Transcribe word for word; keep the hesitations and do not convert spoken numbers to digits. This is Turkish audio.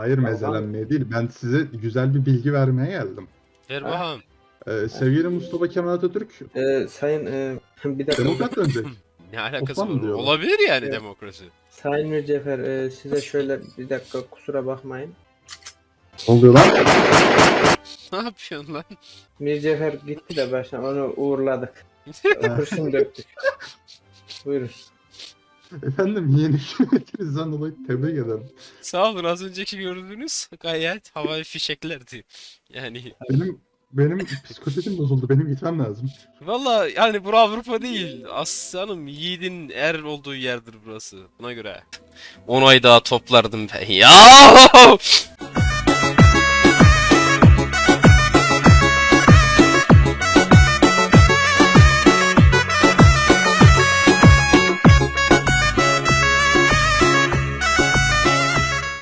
Hayır, mezelenmeye değil. Ben size güzel bir bilgi vermeye geldim. Ver Ha? bakalım. Ee, sevgili Mustafa Kemal Atatürk Ee, sayın e, bir dakika. demokrat dönecek. Ne alakası Osmanlı var? diyorlar. Olabilir yani Evet. demokrasi. Sayın Mircefer e, size şöyle bir dakika kusura bakmayın. Ne oluyor lan? Ne yapıyorsun lan? Mircefer gitti de baştan onu uğurladık. Kurşun döktük. Buyurun. Efendim, yeni hükümetinizden dolayı tebrik ederim. Sağ olun, az önceki gördüğünüz gayet havai fişeklerdi. Yani Benim benim psikolojim bozuldu. Benim gitmem lazım. valla yani bura Avrupa değil. Aslanım yiğidin er olduğu yerdir burası. Buna göre. on ay daha toplardım ben. Ya!